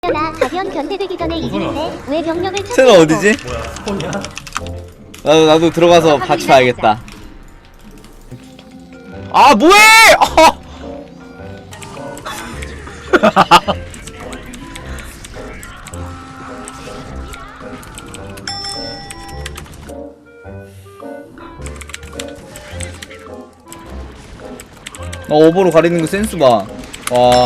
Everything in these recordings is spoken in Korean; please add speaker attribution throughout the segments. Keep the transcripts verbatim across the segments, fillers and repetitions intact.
Speaker 1: 나 가디언 견제되기 전에 이기는데 왜 병력을 찾는
Speaker 2: 쟤는 어디지?
Speaker 3: 뭐야 스폰이야?
Speaker 2: 나도 나도 들어가서 같이 봐야겠다. 아 뭐해? 어! 나 오버로 가리는 거 센스 봐. 와.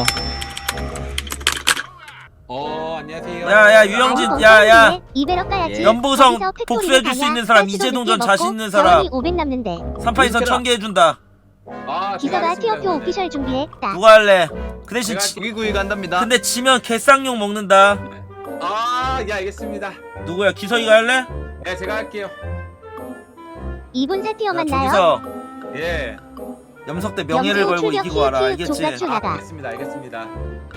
Speaker 4: 어 안녕하세요.
Speaker 5: 야야 유영진 야야
Speaker 1: 이베럭 가야지.
Speaker 5: 연보성
Speaker 1: 거기서 팩토리
Speaker 5: 복수해줄 수
Speaker 1: 가냐?
Speaker 5: 있는 사람
Speaker 1: 쌀치도
Speaker 5: 이재동전
Speaker 1: 늦게
Speaker 5: 자신
Speaker 1: 먹고
Speaker 5: 있는 사람
Speaker 1: 자원이 오백 남는데
Speaker 5: 삼판이선 천 개 해준다.
Speaker 4: 아,
Speaker 1: 기서가 티어표 오피셜 준비했다.
Speaker 5: 누가 할래? 그 대신
Speaker 4: 제가
Speaker 5: 지,
Speaker 4: 구이구이 간답니다.
Speaker 5: 근데 지면 개쌍욕 먹는다.
Speaker 4: 아, 예 알겠습니다.
Speaker 5: 누구야? 기석이가 할래?
Speaker 4: 예, 제가 할게요.
Speaker 1: 이 분 세 티어
Speaker 5: 야
Speaker 1: 만나요?
Speaker 5: 조기석
Speaker 4: 예.
Speaker 5: 염석 대 명예를
Speaker 1: 염소
Speaker 5: 걸고
Speaker 1: 출격
Speaker 5: 이기고 와라
Speaker 1: 힐
Speaker 5: 알겠지?
Speaker 1: 족같이
Speaker 4: 아,
Speaker 1: 나가.
Speaker 4: 알겠습니다. 알겠습니다.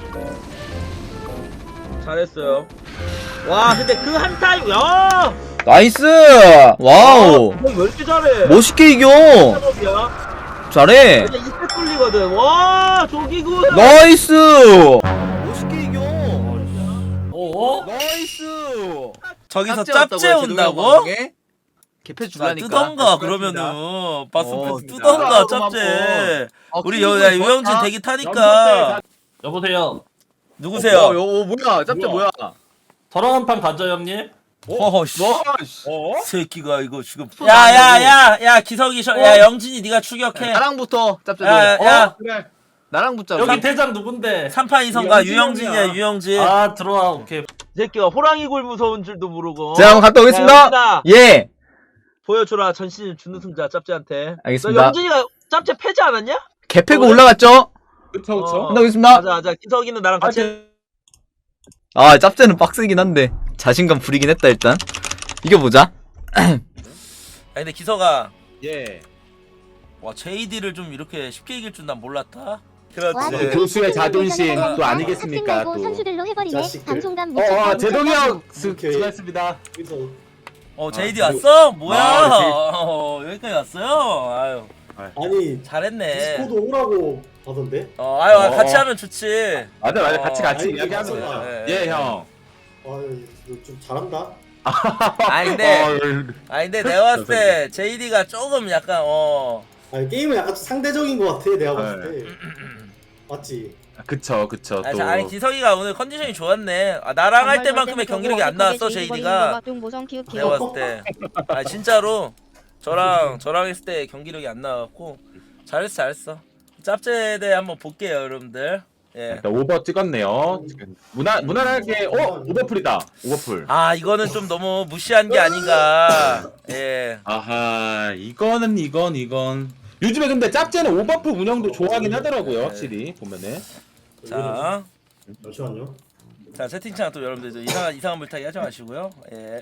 Speaker 6: 잘했어요. 와 근데 그 한 타임 야
Speaker 2: 나이스. 와우.
Speaker 6: 왜 이렇게 잘해?
Speaker 2: 멋있게 이겨.
Speaker 6: 야
Speaker 2: 잘해.
Speaker 6: 이제 이때 뚫리거든. 와 조기구.
Speaker 2: 나이스. 멋있게 이겨.
Speaker 3: 어?
Speaker 2: 나이스.
Speaker 5: 저기서
Speaker 4: 짭제
Speaker 5: 짭제
Speaker 4: 왔다고요,
Speaker 5: 온다고?
Speaker 4: 제동이 방송에? 개패
Speaker 5: 자,
Speaker 4: 줄라니까.
Speaker 5: 뜨던가 그러면은
Speaker 4: 어,
Speaker 5: 바스패스
Speaker 4: 진짜.
Speaker 5: 뜨던가
Speaker 4: 아,
Speaker 5: 짭제.
Speaker 4: 어,
Speaker 5: 우리
Speaker 4: 키우고
Speaker 5: 여, 야,
Speaker 4: 있어?
Speaker 5: 유영진
Speaker 4: 아,
Speaker 5: 대기 타니까.
Speaker 3: 여보세요.
Speaker 5: 누구세요?
Speaker 4: 어, 어, 뭐야? 짭제
Speaker 3: 뭐야?
Speaker 4: 뭐야?
Speaker 3: 저랑 한 판 가죠 형님?
Speaker 5: 어허 씨.
Speaker 4: 뭐? 어?
Speaker 5: 새끼가 이거 지금 야야야야 기석이 셔, 야 영진이 네가 추격해.
Speaker 4: 나랑부터 짭제.
Speaker 5: 야,
Speaker 4: 너.
Speaker 5: 야.
Speaker 4: 어? 그래. 나랑 붙자.
Speaker 3: 여기 대장 누군데?
Speaker 5: 삼판 이성가
Speaker 6: 유영진이야.
Speaker 5: 유영진이야 유영진.
Speaker 3: 아 들어와 오케이.
Speaker 6: 이 새끼가 호랑이 굴 무서운 줄도 모르고.
Speaker 2: 자, 한번 갔다 오겠습니다.
Speaker 6: 야,
Speaker 2: 예.
Speaker 6: 보여주라 전신 준우 승자 짭제한테.
Speaker 2: 알겠습니다.
Speaker 6: 너 영진이가 짭제 패지 않았냐?
Speaker 2: 개 패고 올라갔죠?
Speaker 4: 그쵸
Speaker 6: 어.
Speaker 4: 그쵸.
Speaker 2: 갔다 오겠습니다.
Speaker 6: 맞아 맞아. 기석이는 나랑 같이. 해.
Speaker 2: 아, 짭제는 빡세긴 한데 자신감 부리긴 했다 일단. 이겨보자.
Speaker 5: 아니 근데 기석아
Speaker 4: 예.
Speaker 5: 와 제이디를 좀 이렇게 쉽게 이길 줄 난 몰랐다.
Speaker 1: 와,
Speaker 5: 그렇지.
Speaker 1: 근데
Speaker 4: 교수의 자존심
Speaker 1: 하니까
Speaker 4: 또 아니겠습니까,
Speaker 1: 학생 말고
Speaker 4: 또.
Speaker 1: 선수들로 해버리네.
Speaker 7: 자식들.
Speaker 1: 방송감
Speaker 4: 어,
Speaker 1: 미쳤다.
Speaker 4: 어 제동이 형
Speaker 7: 오케이.
Speaker 4: 수, 수고하셨습니다.
Speaker 7: 여기서
Speaker 5: 어 제이디
Speaker 4: 아,
Speaker 5: 왔어? 뭐야?
Speaker 4: 아, 제이-
Speaker 5: 어, 여기까지 왔어요. 아유
Speaker 7: 아니
Speaker 5: 잘했네.
Speaker 7: 디스코드 오라고 하던데.
Speaker 5: 어 아유
Speaker 4: 어,
Speaker 5: 같이
Speaker 4: 어.
Speaker 5: 하면 좋지.
Speaker 4: 맞아 맞아
Speaker 5: 어,
Speaker 4: 같이 같이
Speaker 7: 아니,
Speaker 4: 이야기하면
Speaker 7: 맞아.
Speaker 4: 되죠.
Speaker 5: 예,
Speaker 4: 예 형.
Speaker 7: 아좀 잘한다.
Speaker 5: 아니 근데
Speaker 4: 어,
Speaker 5: 아니 근데 내가 봤을 때 제이디가 조금 약간 어
Speaker 7: 아니 게임은 약간 좀 상대적인 것 같아 내가 봤을
Speaker 4: 네.
Speaker 7: 때. 맞지.
Speaker 4: 그쵸 그쵸
Speaker 5: 아니,
Speaker 4: 또.
Speaker 5: 아니 기석이가 오늘 컨디션이 좋았네. 아, 나랑 할 때만큼의 경기력이 안 나왔어 제이디가. 내가 봤을 때. 아 진짜로 저랑 저랑 했을 때 경기력이 안 나왔고 잘했어 잘했어. 짭제에 대해 한번 볼게요 여러분들. 예.
Speaker 4: 일단 오버 찍었네요. 지금 무난 무난하게 어 오버풀이다. 오버풀.
Speaker 5: 아 이거는 좀 너무 무시한 게 아닌가. 예.
Speaker 4: 아하 이거는 이건 이건. 요즘에 근데 짭제는 오버풀 운영도 좋아하긴 하더라고요. 확실히 보면은.
Speaker 5: 자,
Speaker 7: 잠시만요.
Speaker 5: 자 채팅창 또 여러분들 좀 이상한 이상한 물타기 하지 마시고요. 예.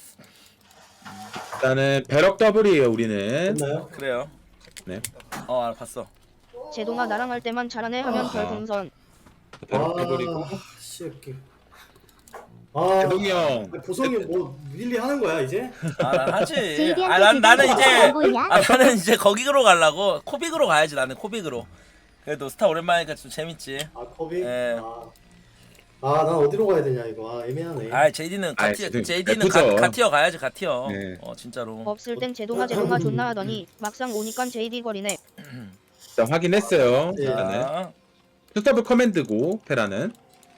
Speaker 4: 일단은 배럭 더블이에요 우리는.
Speaker 7: 됐나요?
Speaker 5: 그래요.
Speaker 4: 네.
Speaker 5: 어 알아 봤어.
Speaker 8: 제동아 나랑 할 때만 잘하네 하면 별풍선.
Speaker 4: 배럭 더블이고.
Speaker 7: 씨 이렇게. 아
Speaker 4: 대동이 형.
Speaker 7: 보성이 뭐 릴리 하는 거야 이제?
Speaker 5: 아 난 하지.
Speaker 1: 제이디한테
Speaker 5: 아 난 나는
Speaker 1: 그거
Speaker 5: 이제
Speaker 1: 안 보이냐?
Speaker 5: 아 나는 이제 거기로 가려고 코빅으로 가야지 나는 코빅으로. 그래도 스타 오랜만이니까 좀 재밌지.
Speaker 7: 아 컵이?
Speaker 5: 예.
Speaker 7: 아난 어디로 가야 되냐 이거. 아 애매하네.
Speaker 5: 아 제이디는
Speaker 4: 아이,
Speaker 5: 가티
Speaker 4: 지금
Speaker 5: 제이디는
Speaker 4: 예쁘죠.
Speaker 5: 가, 가티어 가야지 가티어.
Speaker 4: 네.
Speaker 5: 어 진짜로.
Speaker 8: 없을 땐 제동아 제동아 존나 하더니 막상 오니깐 제이디 거리네.
Speaker 4: 일단 확인했어요.
Speaker 7: 예.
Speaker 4: 일단은
Speaker 5: 자,
Speaker 4: 투더블 커맨드고 페라는.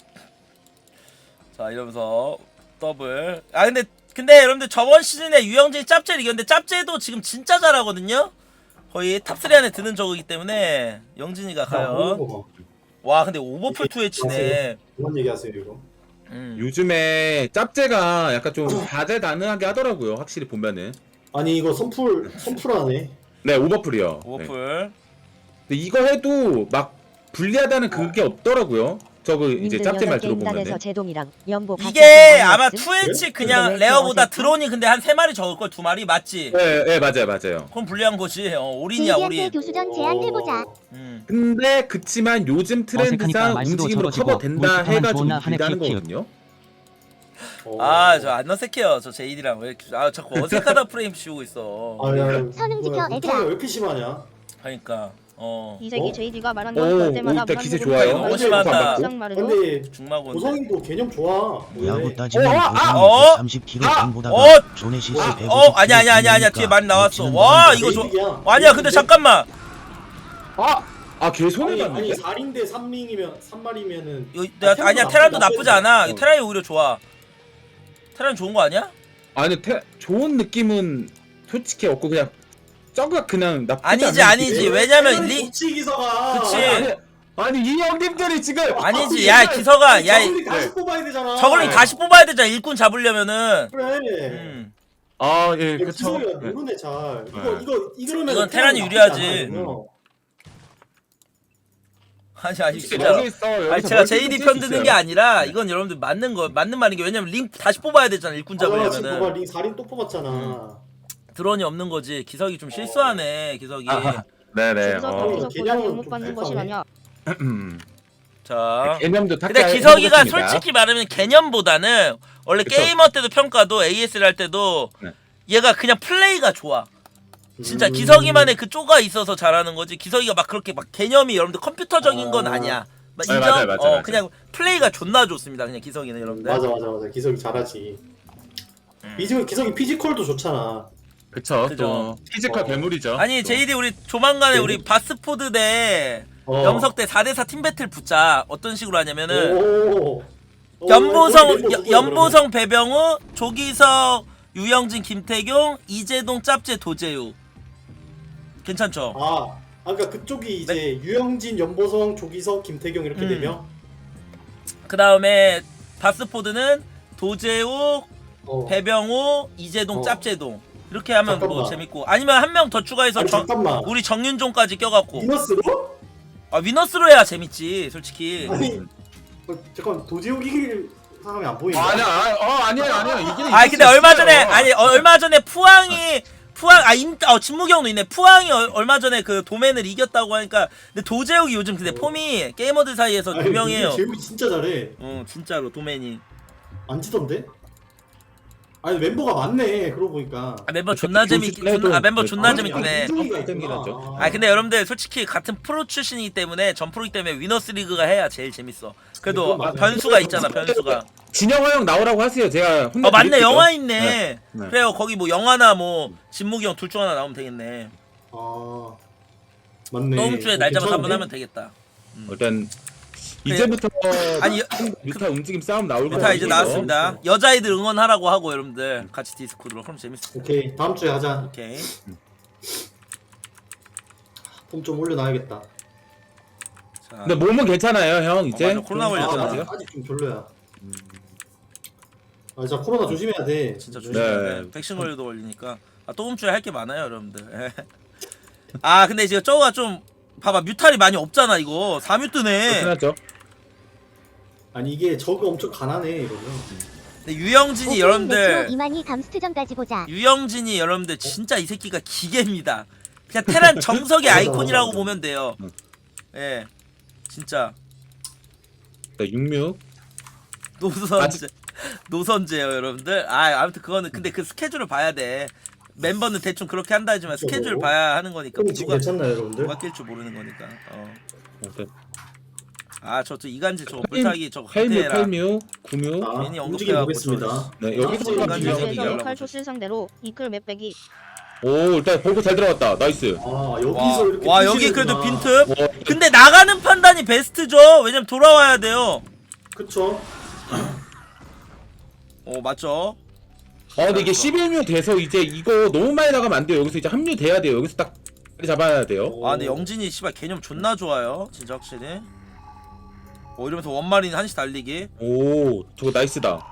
Speaker 5: 자 이러면서 더블. 아 근데 근데 여러분들 저번 시즌에 유영진이 짭제를 이겼는데 짭제도 지금 진짜 잘하거든요. 거의 탑삼 안에 드는 저거기 때문에 영진이가 가요. 와 근데 오버풀 투 에이치네.
Speaker 7: 그만 얘기하세요 이거.
Speaker 5: 음.
Speaker 4: 요즘에 짭제가 약간 좀 다재다능하게 하더라고요. 확실히 보면은.
Speaker 7: 아니 이거 선풀 선풀하네.
Speaker 4: 네 오버풀이요. 네.
Speaker 5: 오버풀.
Speaker 4: 근데 이거 해도 막 불리하다는 그게 없더라고요. 저거 이제 짭제 말 들어보면은.
Speaker 8: 제동이랑 연보
Speaker 5: 이게 아마 투 에이치 그냥 레어보다 드론이 근데 한 세 마리 적을 걸 두 마리 맞지?
Speaker 4: 네, 네 맞아요 맞아요.
Speaker 5: 그럼 불리한 거지. 어, 올인이야
Speaker 1: 제이디한테
Speaker 5: 올인.
Speaker 1: 교수전 제안해보자.
Speaker 5: 음.
Speaker 4: 근데 그치만 요즘 트렌드상
Speaker 9: 어색하니까 말수도
Speaker 4: 움직임으로
Speaker 9: 저러지고
Speaker 4: 커버된다
Speaker 9: 물타만
Speaker 4: 해가지고
Speaker 9: 좋나 하네,
Speaker 4: 불리하는
Speaker 9: 키키.
Speaker 4: 거거든요.
Speaker 7: 어.
Speaker 5: 아 저 안 어색해요 저 제이디랑 왜 이렇게 아 자꾸 어색하다 프레임 씌우고 있어.
Speaker 7: 아야.
Speaker 1: 선응 지켜,
Speaker 7: 뭐야,
Speaker 1: 애들아.
Speaker 7: 못하기가 왜 이렇게 심하냐?
Speaker 5: 그러니까 어
Speaker 8: 이세기
Speaker 7: 어?
Speaker 8: 제이디가 말한
Speaker 4: 오,
Speaker 8: 건
Speaker 4: 오,
Speaker 8: 볼 때마다
Speaker 4: 일단 기세
Speaker 8: 무난무난
Speaker 4: 좋아요.
Speaker 8: 말고
Speaker 5: 너무 심하다.
Speaker 8: 막상 말해도
Speaker 7: 근데
Speaker 5: 중마고
Speaker 7: 고성이도 개념 좋아.
Speaker 9: 야구
Speaker 7: 왜?
Speaker 9: 따지면
Speaker 4: 어, 아,
Speaker 9: 고성이
Speaker 5: 어?
Speaker 9: 백삼십 킬로그램 보다가
Speaker 5: 어?
Speaker 9: 조네시스
Speaker 5: 어,
Speaker 9: 백오십
Speaker 5: 어 아니야 아니야 아니야 아니야 뒤에 많이 나왔어. 와 이거 저
Speaker 7: 제이득이야.
Speaker 5: 아니야 근데 잠깐만
Speaker 4: 아! 아, 걔 손해
Speaker 7: 아니,
Speaker 4: 봤는데?
Speaker 7: 아니 사 링 대 삼 링이면 삼 마리면은
Speaker 5: 이거 내가 아니야 테란도 나쁘지 않아. 이거 테란이 오히려 좋아. 테란 좋은 거 아니야?
Speaker 4: 아니, 태, 좋은 느낌은 솔직히 없고 그냥 저거 그냥 나쁘지
Speaker 5: 아니지
Speaker 4: 않은
Speaker 5: 아니지
Speaker 4: 느낌.
Speaker 5: 왜냐면 리
Speaker 7: 치 기서가.
Speaker 5: 그치.
Speaker 4: 아니, 아니 이 형님들이 지금
Speaker 5: 아니지 야 기서가 야
Speaker 7: 저글링 다시 뽑아야 되잖아.
Speaker 5: 저걸링 다시 뽑아야 되잖아 일꾼 잡으려면은.
Speaker 7: 그래.
Speaker 5: 음.
Speaker 4: 아, 예,
Speaker 7: 야,
Speaker 4: 그쵸.
Speaker 7: 기석이가
Speaker 4: 네.
Speaker 7: 모르네 잘. 이거
Speaker 4: 네.
Speaker 7: 이거 이거면
Speaker 5: 이건 테란이 유리하지. 아니 아니
Speaker 4: 솔직히
Speaker 5: 진짜.
Speaker 4: 여기 있어.
Speaker 5: 아니
Speaker 4: 여기서
Speaker 5: 제가
Speaker 4: 멀티
Speaker 5: 제이디
Speaker 4: 뛸수
Speaker 5: 편 드는 게
Speaker 4: 있어요.
Speaker 5: 아니라 이건 여러분들 맞는 거 맞는 말인 게 왜냐면 링 다시 뽑아야 되잖아 일꾼
Speaker 7: 지금 봐봐
Speaker 5: 잡으려면은
Speaker 7: 링 사 링 또 뽑았잖아.
Speaker 5: 드론이 없는 거지. 기석이 좀 실수하네 기석이.
Speaker 4: 아하. 네네.
Speaker 8: 여기서
Speaker 4: 어.
Speaker 8: 덕기석
Speaker 7: 개념은
Speaker 8: 보상
Speaker 7: 좀
Speaker 8: 못 받는
Speaker 7: 불쌍해.
Speaker 8: 것이 아니야.
Speaker 5: 자.
Speaker 4: 개념도
Speaker 5: 근데
Speaker 4: 탁자
Speaker 5: 기석이가
Speaker 4: 해보겠습니다.
Speaker 5: 솔직히 말하면 개념보다는 원래
Speaker 4: 그쵸.
Speaker 5: 게이머 때도 평가도 에이에스를 할 때도
Speaker 4: 네.
Speaker 5: 얘가 그냥 플레이가 좋아. 진짜
Speaker 7: 음.
Speaker 5: 기석이만의 그 쪼가 있어서 잘하는 거지. 기석이가 막 그렇게 막 개념이 여러분들 컴퓨터적인 건
Speaker 7: 아.
Speaker 5: 아니야. 막
Speaker 4: 네,
Speaker 5: 인정?
Speaker 4: 맞아요, 맞아요,
Speaker 5: 어
Speaker 4: 맞아요.
Speaker 5: 그냥 플레이가 존나 좋습니다. 그냥 기석이는 여러분들.
Speaker 7: 맞아 맞아 맞아. 기석이 잘하지.
Speaker 5: 음.
Speaker 7: 기석이 기석이 피지컬도 좋잖아.
Speaker 4: 그쵸.
Speaker 5: 그죠.
Speaker 4: 또 피지컬
Speaker 7: 어.
Speaker 4: 괴물이죠.
Speaker 5: 아니
Speaker 4: 또.
Speaker 5: 제이디 우리 조만간에
Speaker 7: 네.
Speaker 5: 우리 바스포드 대
Speaker 7: 어.
Speaker 5: 염석 대 사 대 사 팀 배틀 붙자. 어떤 식으로 하냐면은
Speaker 7: 오. 오,
Speaker 5: 연보성
Speaker 7: 거기 멤버
Speaker 5: 여-
Speaker 7: 누구야,
Speaker 5: 연보성 배병우 조기석 유영진 김태경 이재동 짭제 도재우 괜찮죠?
Speaker 7: 그러면? 아, 아 그러니까 그쪽이 이제 유영진, 연보성, 조기석, 김태경 이렇게
Speaker 5: 음.
Speaker 7: 네 명.
Speaker 5: 그 다음에 바스포드는 도재욱
Speaker 7: 어.
Speaker 5: 배병우 이재동
Speaker 7: 어.
Speaker 5: 짭제동 이렇게 하면 뭐
Speaker 7: 잠깐만.
Speaker 5: 재밌고 아니면 한 명 더 추가해서
Speaker 7: 아니,
Speaker 5: 정-
Speaker 7: 잠깐만.
Speaker 5: 우리 정윤종까지 껴갖고
Speaker 7: 미너스로?
Speaker 5: 아 위너스로 해야 재밌지 솔직히.
Speaker 7: 아니 어, 잠깐 도지욱 이길 사람이 안 보이네.
Speaker 4: 아니야, 아, 어, 아니야, 아니야. 이기는
Speaker 5: 아니
Speaker 4: 이길
Speaker 5: 근데
Speaker 4: 수
Speaker 5: 얼마
Speaker 4: 있어요.
Speaker 5: 전에 아니 어, 얼마 전에 푸항이 푸항 아 임, 어 진무경도 있네. 푸항이 어, 얼마 전에 그 도맨을 이겼다고 하니까 근데 도재욱이 요즘 근데 폼이 게이머들 사이에서
Speaker 7: 아니,
Speaker 5: 유명해요.
Speaker 7: 제욱이 진짜 잘해.
Speaker 5: 어 진짜로 도맨이.
Speaker 7: 안 지던데? 아니 멤버가 많네. 그러고 보니까.
Speaker 5: 아, 멤버 존나 재밌긴
Speaker 4: 조심해도-
Speaker 5: 존나, 아 멤버 존나
Speaker 7: 아니,
Speaker 5: 재밌긴 해.
Speaker 7: 아니, 이종이가
Speaker 4: 땡기긴
Speaker 7: 있구나.
Speaker 4: 하죠.
Speaker 5: 아 근데 여러분들 솔직히 같은 프로 출신이기 때문에 전 프로이기 때문에 위너스 리그가 해야 제일 재밌어. 그래도
Speaker 7: 그건 맞아요.
Speaker 5: 변수가 있잖아 변수가.
Speaker 4: 진영화 형 나오라고 하세요. 제가 혼내
Speaker 5: 어 맞네
Speaker 4: 드릴게요.
Speaker 5: 영화 있네.
Speaker 4: 네, 네.
Speaker 5: 그래요 거기 뭐 영화나 뭐 진무기 형 둘 중 하나 나오면 되겠네.
Speaker 7: 아 맞네.
Speaker 5: 다음 주에
Speaker 7: 어,
Speaker 5: 날 잡아서
Speaker 7: 괜찮은데?
Speaker 5: 한번 하면 되겠다.
Speaker 4: 일단 이제부터
Speaker 5: 아니,
Speaker 4: 뮤타 움직임 싸움 나올 거예요.
Speaker 5: 다 이제 나왔습니다. 여자아이들 응원하라고 하고 여러분들 같이 디스코드로 그럼 재밌어.
Speaker 7: 오케이 다음 주에 하자.
Speaker 5: 오케이.
Speaker 7: 폼 좀 올려놔야겠다.
Speaker 5: 자,
Speaker 4: 근데 몸은 괜찮아요, 형. 이제
Speaker 5: 맞아, 코로나
Speaker 7: 아,
Speaker 5: 걸렸잖아.
Speaker 7: 아직, 아직 좀 별로야. 아 진짜 코로나 조심해야 돼.
Speaker 5: 진짜
Speaker 7: 네.
Speaker 5: 조심해야 돼.
Speaker 4: 네.
Speaker 5: 백신 걸려도 걸리니까. 아, 다음 주에 할 게 많아요, 여러분들. 아, 근데 지금 저거가 좀 봐봐 뮤탈이 많이 없잖아 이거. 사 뮤 뜨네.
Speaker 4: 그렇죠.
Speaker 7: 아니 이게 저거 엄청 가난해 이러면.
Speaker 5: 근데 유영진이
Speaker 1: 오케이,
Speaker 5: 여러분들
Speaker 1: 메트로 이만희 감스트전까지 보자.
Speaker 5: 유영진이 여러분들 진짜 이 새끼가 기계입니다. 그냥 테란 정석의
Speaker 7: 맞아,
Speaker 5: 아이콘이라고
Speaker 7: 맞아.
Speaker 5: 보면 돼요.
Speaker 4: 응.
Speaker 5: 예. 진짜
Speaker 4: 육육.
Speaker 5: 노선제 노선제요 여러분들. 아 아무튼 그거는 근데 그 스케줄을 봐야 돼. 멤버는 대충 그렇게 한다 하지만
Speaker 7: 그쵸,
Speaker 5: 스케줄
Speaker 7: 뭐.
Speaker 5: 봐야 하는 거니까
Speaker 7: 그럼 지금
Speaker 5: 누가
Speaker 7: 괜찮나요 여러분들?
Speaker 5: 누가 낄 줄 모르는 거니까. 어.
Speaker 4: 오케이.
Speaker 5: 아 저 저 이간질 저거 불타기 저거
Speaker 4: 팔뮤,
Speaker 5: 하대라.
Speaker 4: 팔뮤, 구뮤.
Speaker 7: 자
Speaker 5: 괜히
Speaker 7: 움직임
Speaker 5: 언급해갖고
Speaker 7: 보겠습니다.
Speaker 4: 네, 여기서
Speaker 7: 아,
Speaker 4: 잠깐
Speaker 5: 인간적인
Speaker 4: 주의하세요.
Speaker 5: 얘기하려고
Speaker 8: 그래서
Speaker 5: 그러지.
Speaker 8: 칼초실 상대로 이끌 맵배기.
Speaker 4: 오, 일단 보고 잘 들어갔다. 나이스.
Speaker 7: 아 여기서
Speaker 5: 와,
Speaker 7: 이렇게
Speaker 5: 와 여기 그래도
Speaker 7: 뛰시는구나.
Speaker 5: 빈틈.
Speaker 4: 와,
Speaker 5: 근데 나가는 판단이 베스트죠. 왜냐면 돌아와야 돼요.
Speaker 7: 그쵸?
Speaker 5: 어 맞죠.
Speaker 4: 아, 근데 이게 십일 뮤 돼서 이제 이거 너무 많이 나가면 안 돼요. 여기서 이제 합류 돼야 돼요. 여기서 딱 잡아야 돼요.
Speaker 5: 아 근데 영진이 씨발 개념 존나 좋아요. 진짜 확실히. 어 이러면서 원마린 한시 달리기.
Speaker 4: 오, 저거 나이스다.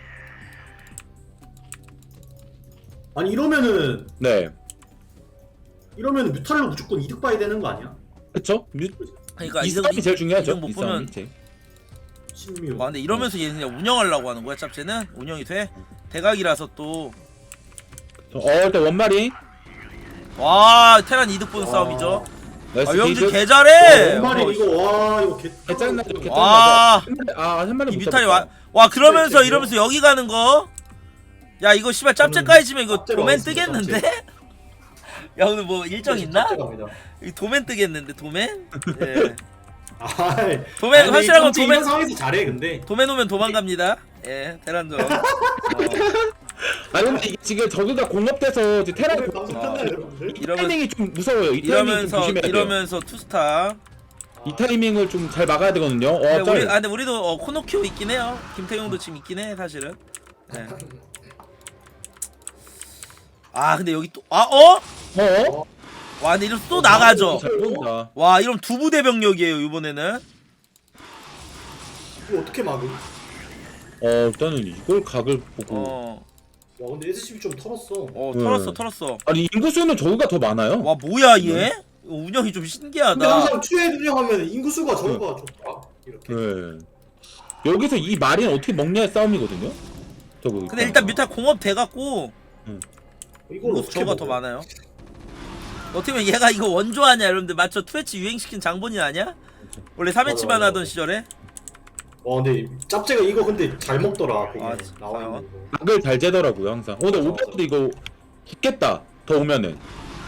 Speaker 7: 아니 이러면은
Speaker 4: 네.
Speaker 7: 이러면 뮤탈로 무조건 이득 봐야 되는 거 아니야?
Speaker 4: 그쵸? 뮤,
Speaker 5: 그러니까
Speaker 4: 이
Speaker 5: 이득-
Speaker 4: 싸움이 제일 중요하죠.
Speaker 5: 이득 못
Speaker 4: 이
Speaker 5: 보면-
Speaker 4: 싸움이 제일.
Speaker 7: 신뮤.
Speaker 5: 아 근데 이러면서 얘는 그냥 운영하려고 하는 거야 짭제는? 운영이 돼? 대각이라서 또.
Speaker 4: 어, 일단 원마리.
Speaker 5: 와 테란 이득 보는
Speaker 7: 와.
Speaker 5: 싸움이죠.
Speaker 4: 나이스.
Speaker 5: 아 영진
Speaker 4: 게이드.
Speaker 5: 개 잘해.
Speaker 7: 와,
Speaker 5: 어,
Speaker 7: 이거 와 이거 개.
Speaker 4: 개짜증나죠. 개짜증나죠.
Speaker 5: 와.
Speaker 4: 한 마리, 아, 한 마리
Speaker 5: 이
Speaker 4: 못
Speaker 5: 뮤탈이
Speaker 4: 잡았다.
Speaker 5: 와, 와 그러면서
Speaker 7: 네,
Speaker 5: 이러면서 여기 가는 거. 야 이거 씨발 짭제까지 지면 이거
Speaker 7: 짭제로
Speaker 5: 도맨
Speaker 7: 하겠습니다,
Speaker 5: 뜨겠는데? 야 오늘 뭐 일정 있나?
Speaker 7: 짭제 갑니다.
Speaker 5: 이 도맨 뜨겠는데 도맨? 예.
Speaker 7: 아이,
Speaker 5: 도맨
Speaker 7: 아니,
Speaker 5: 확실한 건
Speaker 7: 짭제
Speaker 5: 도맨
Speaker 7: 이런 상황에서 잘해 근데.
Speaker 5: 도맨 오면 도망갑니다. 예, 테란전. 어.
Speaker 4: 아 근데 이게 지금 저기가 공업돼서 이제 테란
Speaker 7: 오늘 방송
Speaker 5: 아.
Speaker 7: 끝나요 여러분들?
Speaker 5: 이러면
Speaker 4: 타이밍이 좀 무서워요. 이 타이밍 좀
Speaker 5: 이러면서
Speaker 4: 조심해야 돼요.
Speaker 5: 이러면서 투스타.
Speaker 4: 이 타이밍을 좀 잘 막아야 되거든요. 어,
Speaker 5: 근데 우리
Speaker 4: 짤.
Speaker 5: 아 근데 우리도 어, 코노키오 있긴 해요. 김태용도 지금 있긴 해 사실은. 네. 아 근데 여기 또 아 어?
Speaker 4: 어?
Speaker 5: 와 근데 이러면 또 나가죠.
Speaker 4: 잘 본다.
Speaker 5: 와 이러면 두 부대 병력이에요 이번에는.
Speaker 7: 이거 어떻게 막음?
Speaker 4: 어 일단은 이걸 각을 보고.
Speaker 5: 어,
Speaker 7: 와 근데 에스씨비 좀 털었어.
Speaker 5: 어
Speaker 4: 네.
Speaker 5: 털었어 털었어.
Speaker 4: 아니 인구수는 저거가 더 많아요.
Speaker 5: 와 뭐야 얘? 운영이 좀
Speaker 7: 근데
Speaker 5: 신기하다.
Speaker 7: 항상 투에 운영하면 인구수가 저거가 좋다. 이렇게.
Speaker 4: 네. 여기서 이 마린 어떻게 먹냐의 싸움이거든요. 저거.
Speaker 5: 근데 일단 뮤탈 공업 돼갖고
Speaker 7: 이걸
Speaker 5: 인구수
Speaker 7: 어떻게
Speaker 5: 저가 더
Speaker 7: 먹어?
Speaker 5: 많아요. 어떻게 보면 얘가 이거 원조하냐 여러분들 맞죠? 트위치 유행시킨 장본인 아니야? 원래 삼 회치만
Speaker 7: 맞아, 맞아.
Speaker 5: 하던 시절에.
Speaker 7: 와 근데 짭제가 이거 근데 잘 먹더라. 그게
Speaker 5: 아,
Speaker 7: 나와
Speaker 5: 진짜요?
Speaker 7: 있는 거.
Speaker 4: 각을 잘 재더라고요 항상. 어, 근데 오버도 이거 죽겠다. 더 오면은.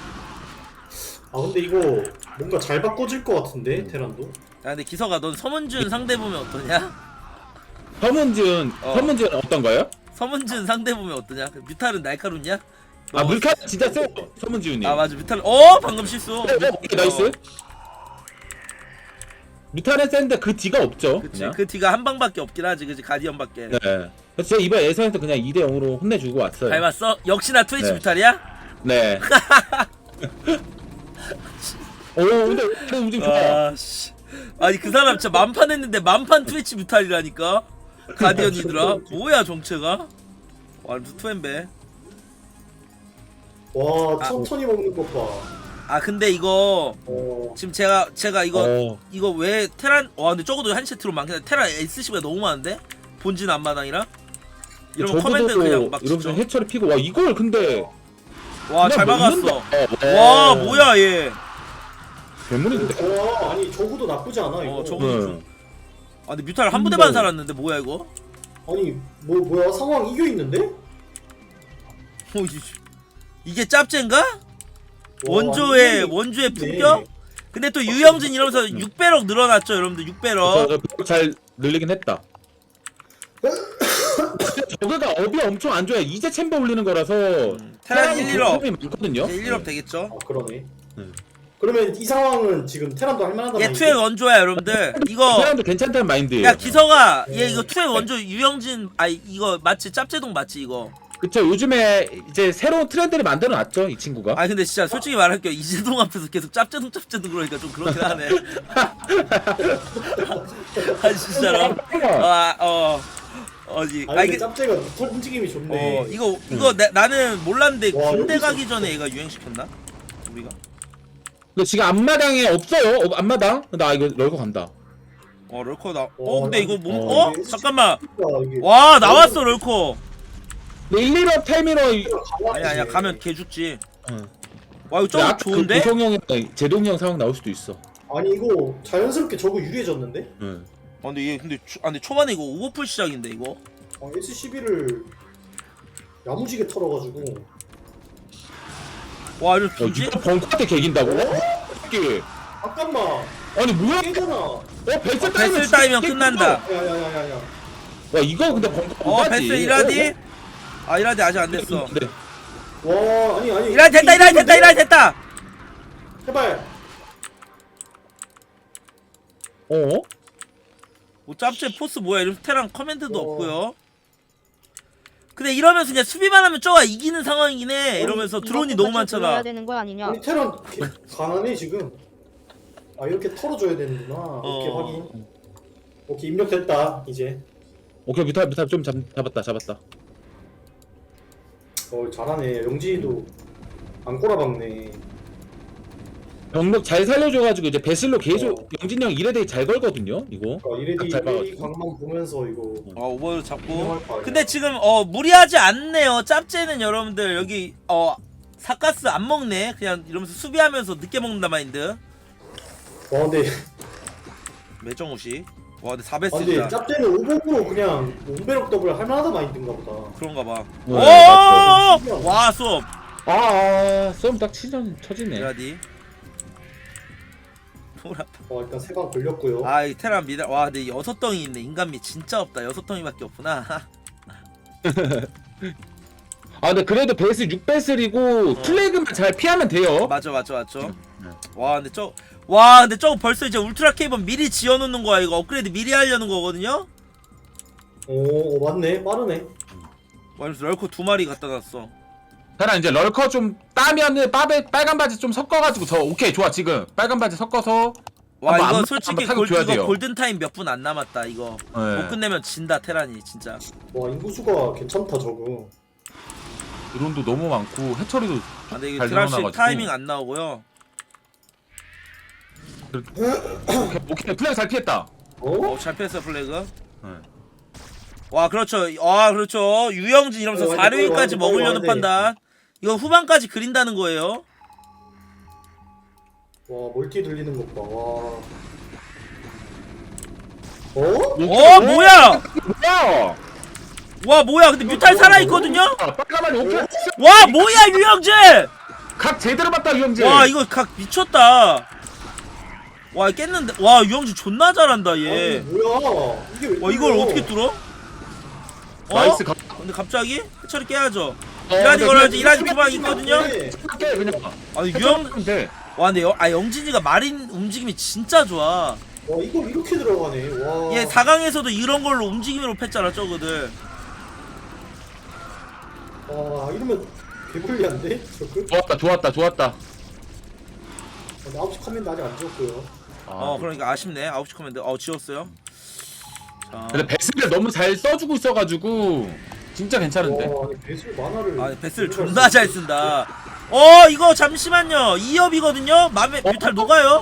Speaker 7: 아 근데 이거 뭔가 잘 바꿔질 것 같은데 테란도.
Speaker 5: 야 근데 기서가 넌 서문준 상대 보면 어떠냐?
Speaker 4: 서문지은
Speaker 5: 어.
Speaker 4: 서문지은 어떤가요?
Speaker 5: 서문준 상대 보면 어떠냐? 그 뮤탈은 날카롭냐?
Speaker 4: 아
Speaker 5: 너-
Speaker 4: 물카 진짜 세. 서문지훈님.
Speaker 5: 아 맞아 뮤탈. 어 방금 실수.
Speaker 4: 네, 네, 오케이, 나이스. 뮤탈은 센데 그 뒤가 없죠.
Speaker 5: 그치
Speaker 4: 그냥.
Speaker 5: 그 뒤가 한 방밖에 없긴 하지 그치 가디언밖에.
Speaker 4: 네. 그래서 제가 이번 예선에서 그냥 이 대 영으로 혼내주고 왔어요.
Speaker 5: 잘 봤어? 역시나 트위치
Speaker 4: 네.
Speaker 5: 뮤탈이야?
Speaker 4: 네. 오 근데 근데 움직임 좋아.
Speaker 5: 아 씨. 아니 그 사람 진짜 만판 했는데 만판 트위치 뮤탈이라니까. 가디언이더라. 뭐야 정체가? 와 투엠베.
Speaker 7: 와
Speaker 5: 아.
Speaker 7: 천천히 먹는 것 봐.
Speaker 5: 아 근데 이거
Speaker 7: 어.
Speaker 5: 지금 제가 제가 이거
Speaker 4: 어.
Speaker 5: 이거 왜 테란 와 근데 적어도 한 세트로 많긴 한데 테란 에스씨비가 너무 많은데 본진 앞마당이랑 이러면 커맨드 그냥 막
Speaker 4: 이러면서
Speaker 5: 진짜
Speaker 4: 해처리 피고 와 이걸 근데
Speaker 5: 와 잘
Speaker 4: 그냥
Speaker 5: 막았어.
Speaker 4: 먹는다. 어,
Speaker 5: 와 뭐야 얘.
Speaker 4: 괴물인데.
Speaker 7: 와 아니 저구도 나쁘지 않아 이거.
Speaker 5: 어 저거
Speaker 4: 네.
Speaker 5: 좀. 아 근데 뮤탈 한 부대만 살았는데 뭐야 이거?
Speaker 7: 아니 뭐 뭐야 상황 이겨 있는데?
Speaker 5: 어, 이- 이게 짭젠가? 원조의 원조의 품격? 근데 또 유영진 이러면서 육 배럭 늘어났죠 여러분들 육 배럭.
Speaker 4: 잘 늘리긴 했다. 저거가 업이 엄청 안 좋아요. 이제 챔버 올리는 거라서
Speaker 5: 테란 일, 일업
Speaker 4: 이 많거든요.
Speaker 5: 이제 일, 일업 되겠죠?
Speaker 7: 아 그러네.
Speaker 4: 음.
Speaker 7: 그러면 이 상황은 지금 테란도 할만하다.
Speaker 5: 얘 투의 원조야 여러분들. 이거
Speaker 4: 사람도 괜찮다는 마인드예요.
Speaker 5: 야 기서가 얘 이거 투의 원조 유영진 아 이거 맞지 짭제동 맞지 이거.
Speaker 4: 그쵸. 요즘에 이제 새로운 트렌드를 만들어 놨죠 이 친구가.
Speaker 5: 아 근데 진짜 솔직히 말할게요 이재동 앞에서 계속 짭제동 짭제동 그러니까 좀 그렇긴 하네. 아 진짜로. 아어 어디
Speaker 7: 아니
Speaker 5: 아
Speaker 7: 근데
Speaker 5: 이게
Speaker 7: 짭제가 털 움직임이 좋네.
Speaker 5: 어 이거 이거 나, 나는 몰랐는데
Speaker 7: 와,
Speaker 5: 군대
Speaker 7: 여기서-
Speaker 5: 가기 전에 얘가 유행시켰나? 우리가?
Speaker 4: 근데 지금 앞마당에 없어요. 어, 앞마당. 나 이거 럴거 간다.
Speaker 5: 어 럴커 나. 어
Speaker 7: 어,
Speaker 5: 근데 이거 몸
Speaker 4: 어.
Speaker 5: 어? 잠깐만.
Speaker 7: 야, 이게
Speaker 5: 와 나왔어 럴커.
Speaker 4: 근데 일, 일업 타이밍으로 이-
Speaker 5: 아니 아니야 가면 개 죽지.
Speaker 4: 응.
Speaker 5: 와 이거 좀 좋은데?
Speaker 4: 그 고성형 제동형 상황 나올 수도 있어.
Speaker 7: 아니 이거 자연스럽게 저거 유리해졌는데?
Speaker 4: 응.
Speaker 5: 아 근데 얘 근데 초, 아 근데 초반에 이거 오버풀 시작인데 이거.
Speaker 7: 아, 에스씨비를 야무지게 털어가지고.
Speaker 5: 와 이거
Speaker 4: 야,
Speaker 5: 뭐지?
Speaker 4: 이거 벙커한테 개긴다고? 이게
Speaker 7: 잠깐만.
Speaker 4: 아니 뭐야?
Speaker 7: 깨잖아.
Speaker 4: 어 벨스
Speaker 5: 어,
Speaker 4: 따이면
Speaker 5: 벨스 따이면 끝난다.
Speaker 7: 야야야야야.
Speaker 4: 와 이거 근데 벙커
Speaker 5: 어
Speaker 4: 못
Speaker 5: 베스
Speaker 4: 가지.
Speaker 5: 이라디? 아 이라디 아직 안 됐어.
Speaker 4: 네.
Speaker 7: 와 아니 아니.
Speaker 5: 이라디 됐다 이라디 됐다 이라디 됐다.
Speaker 7: 제발.
Speaker 4: 어?
Speaker 5: 뭐 짭제 포스 뭐야 이러면서 테랑 커맨드도
Speaker 7: 어.
Speaker 5: 없고요. 근데 이러면서 그냥 수비만 하면 저가 이기는 상황이긴 해. 이러면서 드론이 너무 많잖아.
Speaker 8: 해야 되는 거 아니냐?
Speaker 7: 아니 테란 개- 가난해 지금. 아 이렇게 털어줘야 되는구나. 오케이
Speaker 5: 어.
Speaker 7: 확인. 오케이 입력됐다 이제.
Speaker 4: 오케이 뮤탈 뮤탈 좀 잡, 잡았다 잡았다.
Speaker 7: 어 잘하네. 영진이도 안 꼬라박네.
Speaker 4: 병력 잘 살려줘가지고 이제 베슬로 계속
Speaker 7: 어.
Speaker 4: 영진이 형 이레데이 잘 걸거든요 이거.
Speaker 7: 아 이레디
Speaker 4: 잘
Speaker 7: 이레디
Speaker 4: 박아가지고.
Speaker 7: 강만 보면서 이거.
Speaker 5: 어 오버를 잡고.
Speaker 7: 운영할 거 아니야.
Speaker 5: 근데 지금 어 무리하지 않네요. 짭제는 여러분들 여기 어 사가스 안 먹네. 그냥 이러면서 수비하면서 늦게 먹는다 마인드.
Speaker 7: 와 근데
Speaker 5: 매정우시. 와 근데 사
Speaker 7: 아 근데
Speaker 5: 배스다.
Speaker 7: 짭때는 오버로 그냥 온베럭 더블 할만하다 마인드인가 보다.
Speaker 5: 그런가 봐.
Speaker 4: 네,
Speaker 5: 오!
Speaker 7: 맞죠.
Speaker 5: 와 수업.
Speaker 4: 아, 아 썸 딱 치전 쳐지네.
Speaker 5: 미라디. 보라.
Speaker 7: 어 일단 세 방 걸렸고요.
Speaker 5: 아, 이 테란 미라. 와, 근데 여섯 덩이 있네. 인간미 진짜 없다. 여섯 덩이밖에 없구나.
Speaker 4: 아 근데 그래도 베이스 육 배슬이고
Speaker 5: 어.
Speaker 4: 플래그만 잘 피하면 돼요.
Speaker 5: 맞죠, 맞죠, 맞죠.
Speaker 4: 네.
Speaker 5: 와, 근데 저, 와, 근데 저거 벌써 이제 울트라 케이블 미리 지어놓는 거야. 이거 업그레이드 미리 하려는 거거든요.
Speaker 7: 오 어, 맞네 빠르네.
Speaker 5: 와, 그래서 럴코 두 마리 갖다 놨어.
Speaker 4: 하나 이제 럴커 좀 따면은 빠베 빨간 바지 좀 섞어가지고 저 오케이 좋아 지금 빨간 바지 섞어서
Speaker 5: 와,
Speaker 4: 한번
Speaker 5: 이거
Speaker 4: 안-
Speaker 5: 솔직히
Speaker 4: 한번
Speaker 5: 골,
Speaker 4: 타격줘야
Speaker 5: 이거
Speaker 4: 돼요.
Speaker 5: 골든 타임 몇 분 안 남았다. 이거
Speaker 4: 네.
Speaker 5: 못 끝내면 진다 테란이 진짜.
Speaker 7: 와 인구수가 괜찮다 저거.
Speaker 4: 드론도 너무 많고 해처리도
Speaker 5: 아, 근데 이게
Speaker 4: 잘
Speaker 5: 드랍십
Speaker 4: 늘어나가지고.
Speaker 5: 타이밍 안 나오고요.
Speaker 4: 오케이, 오케이 플래그 잘 피했다.
Speaker 7: 어?
Speaker 5: 어, 잘 피했어 플래그.
Speaker 4: 네.
Speaker 5: 와, 그렇죠. 아, 그렇죠. 유영진 이러면서
Speaker 7: 어,
Speaker 5: 사, 육 위까지
Speaker 7: 완전, 완전,
Speaker 5: 먹으려는
Speaker 7: 완전.
Speaker 5: 판단. 이거 후반까지 그린다는 거예요.
Speaker 7: 와 멀티 들리는 것 봐. 와. 어?
Speaker 5: 어, 뭐야?
Speaker 4: 뭐야?
Speaker 5: 와, 뭐야? 근데 뮤탈 살아 있거든요.
Speaker 4: 아, 빨간 바지 오케이.
Speaker 5: 와, 뭐야, 유영진?
Speaker 4: 각 제대로 봤다 유영재.
Speaker 5: 와, 이거 각 미쳤다. 와, 깼는데. 와, 유영진 존나 잘한다
Speaker 7: 아니
Speaker 5: 얘.
Speaker 7: 뭐야? 이게 왜?
Speaker 5: 와, 이걸
Speaker 7: 뚫려?
Speaker 5: 어떻게 뚫어? 어?
Speaker 4: 나이스 가.
Speaker 5: 근데 갑자기 해처리 깨야죠.
Speaker 4: 어,
Speaker 5: 이라디
Speaker 4: 근데
Speaker 5: 걸어야지.
Speaker 4: 그냥
Speaker 5: 이라디 두방 있거든요.
Speaker 7: 네.
Speaker 4: 깨 그냥.
Speaker 5: 아니 유영.
Speaker 4: 해처리하면 돼.
Speaker 5: 와, 근데 여, 아 영진이가 마린 움직임이 진짜 좋아.
Speaker 7: 와 이걸 이렇게 들어가네. 와.
Speaker 5: 얘 사 강에서도 이런 걸로 움직임으로 팼잖아 저거들.
Speaker 7: 와 이러면 개불리한데 저거?
Speaker 4: 좋았다 좋았다 좋았다.
Speaker 7: 나 아홉 시 커맨드 아직 안 지웠고요.
Speaker 4: 아,
Speaker 5: 어, 그러니까 아쉽네. 아홉 시 커맨드. 어, 지웠어요. 자.
Speaker 4: 근데 베스를 너무 잘 써주고 있어가지고 진짜 괜찮은데.
Speaker 7: 와 아니 배sul 만화를.
Speaker 5: 아, 베스를 존나 잘 쓴다. 어, 이거 잠시만요. 이 업이거든요. 맘에
Speaker 4: 어?
Speaker 5: 뮤탈 녹아요.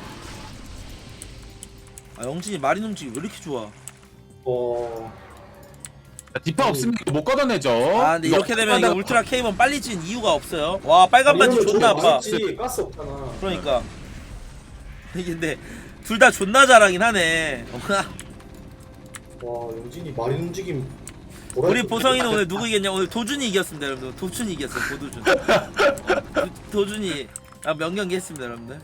Speaker 5: 아, 영진이 마린 움직임 왜 이렇게 좋아?
Speaker 7: 와.
Speaker 4: 디파 없으면 이거 못 걷어내죠.
Speaker 5: 아, 근데 이렇게 되면 이거 울트라 케이번 빨리 찐 이유가 없어요. 와, 빨간 반지 존나 아파.
Speaker 7: 지 가스 없잖아.
Speaker 5: 그러니까 이게 근데 둘 다 존나 잘하긴 하네.
Speaker 7: 와 영진이 마린 움직임.
Speaker 5: 우리 보성이는 오늘 누구 이겼냐? 오늘 도준이 이겼습니다, 여러분들. 도준이 이겼어요, 도준. 도, 도준이 아, 명경기 했습니다, 여러분들.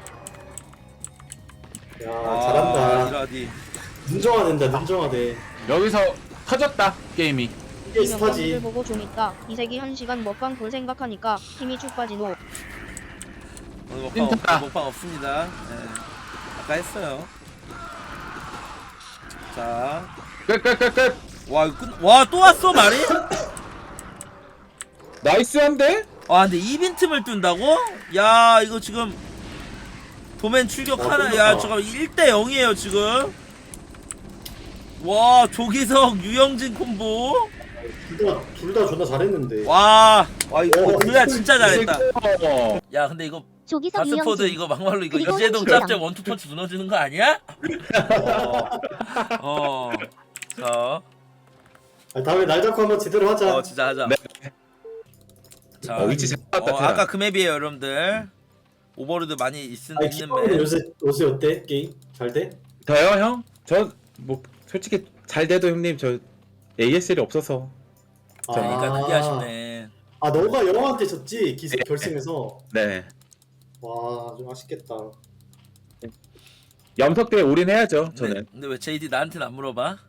Speaker 7: 야
Speaker 5: 아,
Speaker 7: 잘한다.
Speaker 5: 이라디.
Speaker 7: 눈정화된다 눈정화돼.
Speaker 4: 여기서 터졌다 게임이.
Speaker 7: 이게
Speaker 8: 이 명분들
Speaker 7: 스타지.
Speaker 8: 보고 좀 있다. 이세기 한 시간 먹방 볼 생각하니까 힘이 쭉 빠지노.
Speaker 5: 오늘 먹방, 없,
Speaker 4: 찐따.
Speaker 5: 먹방 없습니다. 네. 아까 했어요. 자,
Speaker 4: 끝끝끝끝.
Speaker 5: 와, 이거 끝. 와, 또 왔어 말이?
Speaker 4: 나이스한데?
Speaker 5: 아, 근데 이 빈틈을 뜬다고? 야, 이거 지금 도맨 출격
Speaker 7: 어,
Speaker 5: 하나.
Speaker 7: 끝났다.
Speaker 5: 야, 잠깐 일 대 영이에요 지금. 와, 조기석 유영진 콤보.
Speaker 7: 둘 다 존나 잘했는데.
Speaker 5: 와, 와 이거
Speaker 7: 오,
Speaker 5: 그야 진짜 잘했다.
Speaker 4: 어.
Speaker 5: 야, 근데 이거
Speaker 1: 조기석
Speaker 5: 바스포드
Speaker 1: 유영진.
Speaker 5: 이거 막말로 이거
Speaker 1: 그리고
Speaker 5: 이재동
Speaker 1: 홍진영.
Speaker 5: 짭짭 원투 펀치 무너지는 거 아니야? 어. 어. 자,
Speaker 7: 아, 다음에 날 잡고 한번 제대로 하자.
Speaker 5: 어 진짜 하자.
Speaker 4: 네.
Speaker 5: 자,
Speaker 4: 어, 위치 잘 봤다.
Speaker 5: 어,
Speaker 4: 테라.
Speaker 5: 아까 그 맵이에요, 여러분들. 오버로드 많이 있,
Speaker 7: 아니
Speaker 5: 있는
Speaker 7: 기빵은
Speaker 5: 맵.
Speaker 7: 요새 요새 어때 게임? 잘 돼?
Speaker 4: 저요 형? 저 뭐 솔직히 잘 돼도 형님 저 에이에스엘이 없어서.
Speaker 5: 그러니까 그게 아쉽네.
Speaker 7: 아 너가 영화한테 졌지 기세 결승에서.
Speaker 4: 네.
Speaker 7: 와 좀 아쉽겠다.
Speaker 4: 염석대에 올인해야죠
Speaker 5: 근데,
Speaker 4: 저는.
Speaker 5: 근데 왜 제이디 나한테는 안 물어봐?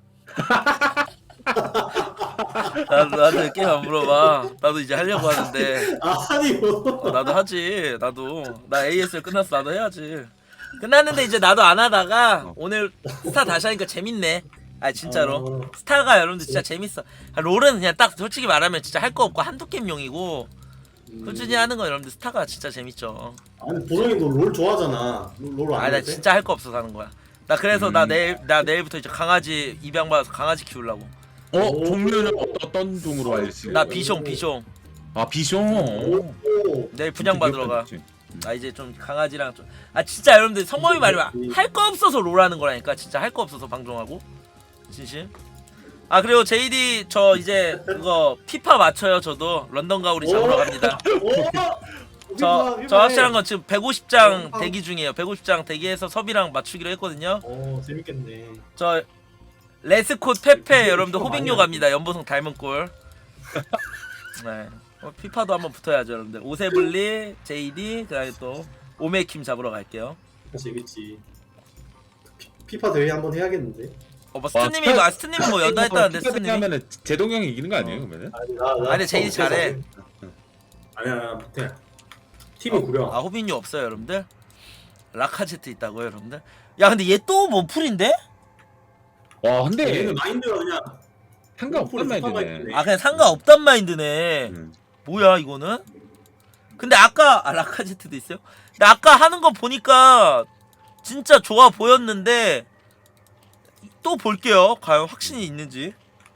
Speaker 5: 나도 나한테 게임 안 물어봐. 나도 이제 하려고 하는데.
Speaker 7: 아니 뭐.
Speaker 5: 어, 나도 하지. 나도 나 에이에스엘 끝났어. 나도 해야지. 끝났는데 이제 나도 안 하다가
Speaker 4: 어.
Speaker 5: 오늘 스타 다시 하니까 재밌네. 아 진짜로
Speaker 7: 어.
Speaker 5: 스타가 여러분들 진짜 재밌어. 아, 롤은 그냥 딱 솔직히 말하면 진짜 할 거 없고 한두 게임용이고
Speaker 7: 음.
Speaker 5: 꾸준히 하는 거 여러분들 스타가 진짜 재밌죠.
Speaker 7: 아니 보성이 너 롤 좋아하잖아. 롤안
Speaker 5: 아 나
Speaker 7: 해?
Speaker 5: 진짜 할 거 없어서 하는 거야. 나 그래서 나
Speaker 4: 음.
Speaker 5: 내일 나 내일부터 이제 강아지 입양 받아서 강아지 키우려고.
Speaker 4: 어
Speaker 7: 오.
Speaker 4: 종류는 어떤 종으로 알지?
Speaker 5: 나 비숑 비숑
Speaker 4: 아 비숑.
Speaker 7: 오.
Speaker 5: 내일 분양 받으러 가. 나 이제 좀 강아지랑 좀 아 진짜 여러분들 성범이 말이면 할 거 없어서 롤하는 거라니까. 진짜 할 거 없어서 방송하고 진심. 아 그리고 제이디 저 이제 그거 피파 맞춰요. 저도 런던 가오리 잡으러 갑니다. 저 저 확실한 건 지금 백오십 장 대기 중이에요. 백오십 장 대기해서 섭이랑 맞추기로 했거든요.
Speaker 7: 어 재밌겠네.
Speaker 5: 저 레스콧 페페 여러분들 호빙요 갑니다. 연보성 닮은 꼴. 네. 어, 피파도 한번 붙어야죠 여러분들. 오세블리, 제이디, 그다음에 또 오메킴 잡으러 갈게요.
Speaker 7: 재밌지. 피- 피파 대회 한번 해야겠는데.
Speaker 5: 어, 뭐 스트님이 뭐, 아, 스트님이 뭐 연다 했다는데 스트님이.
Speaker 4: 하면은 제동 형이 이기는 거 아니에요 그러면은?
Speaker 7: 아니 나, 나
Speaker 5: 아니, 제이디 잘해.
Speaker 7: 아니야 나 못해. 팀이 구려.
Speaker 5: 아 호빈유 없어요 여러분들. 라카제트 있다고요 여러분들. 야 근데 얘 또 원풀인데?
Speaker 4: 와 근데
Speaker 7: 얘는 마인드가 그냥
Speaker 4: 상관없단
Speaker 7: 피파
Speaker 4: 말이네.
Speaker 7: 마인드네.
Speaker 5: 아 그냥 상관없단 마인드네.
Speaker 4: 음.
Speaker 5: 뭐야 이거는? 근데 아까 아 라카제트도 있어요? 근데 아까 하는 거 보니까 진짜 좋아 보였는데 또 볼게요. 과연 확신이 있는지.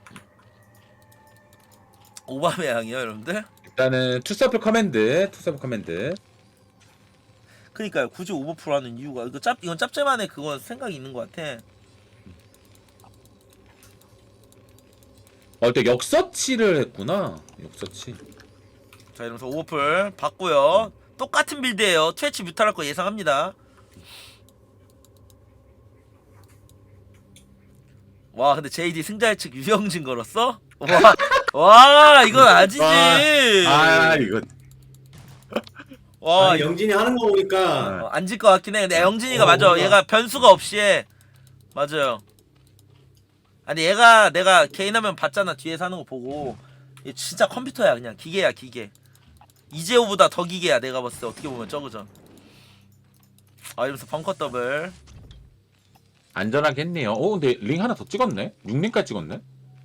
Speaker 5: 오바메양이요 여러분들.
Speaker 4: 일단은 투서플 커맨드, 투서플 커맨드.
Speaker 5: 그니까요 굳이 오버풀 하는 이유가 이거 짭 이건 짭짤만의 그건 생각이 있는 것 같아.
Speaker 4: 어, 또 역서치를 했구나. 역서치.
Speaker 5: 자 이러면서 오버풀 받고요. 똑같은 빌드예요. 트위치 뮤탈할 거 예상합니다. 와 근데 제이디 승자 예측 유영진 걸었어? 와, 와 이건 아니지.
Speaker 4: 아 이거.
Speaker 5: 와
Speaker 7: 아니, 영진이 하는 거 보니까
Speaker 5: 어, 안질 것 같긴 해. 근데 영진이가
Speaker 7: 어,
Speaker 5: 맞아.
Speaker 7: 뭔가.
Speaker 5: 얘가 변수가 없이 해. 맞아요. 아니 얘가 내가 개인 화면 봤잖아. 뒤에서 하는 거 보고 얘 진짜 컴퓨터야. 그냥 기계야 기계. 이재호보다 더 기계야. 내가 봤을 때 어떻게 보면 저거죠. 아 이러면서 벙커 더블.
Speaker 4: 안전하게 했네요. 오 근데 링 하나 더 찍었네. 육 링까지 찍었네.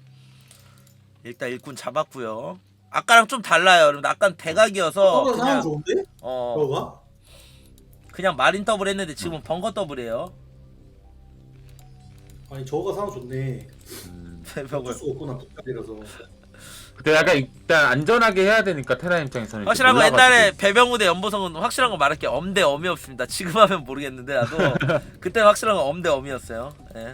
Speaker 5: 일단 일꾼 잡았고요. 아까랑 좀 달라요. 여러분 아까는 대각이어서
Speaker 7: 저거 상황
Speaker 5: 그냥
Speaker 7: 좋은데?
Speaker 5: 어
Speaker 7: 저거가?
Speaker 5: 그냥 마린 더블 했는데 지금은 벙커 더블이에요.
Speaker 7: 아니 저거가 상황 좋네.
Speaker 4: 음.
Speaker 7: 어쩔
Speaker 5: 배벽을.
Speaker 7: 수가 없구나 피파이라서.
Speaker 4: 근데 약간 일단 안전하게 해야 되니까 테라 입장에서는
Speaker 5: 확실한 거
Speaker 4: 몰라가지고.
Speaker 5: 옛날에 배병우 대 연보성은 확실한 거 말할게. 엄 대 엄이 없습니다. 지금 하면 모르겠는데 나도 그때 확실한 건 엄 대 엄이었어요. 예.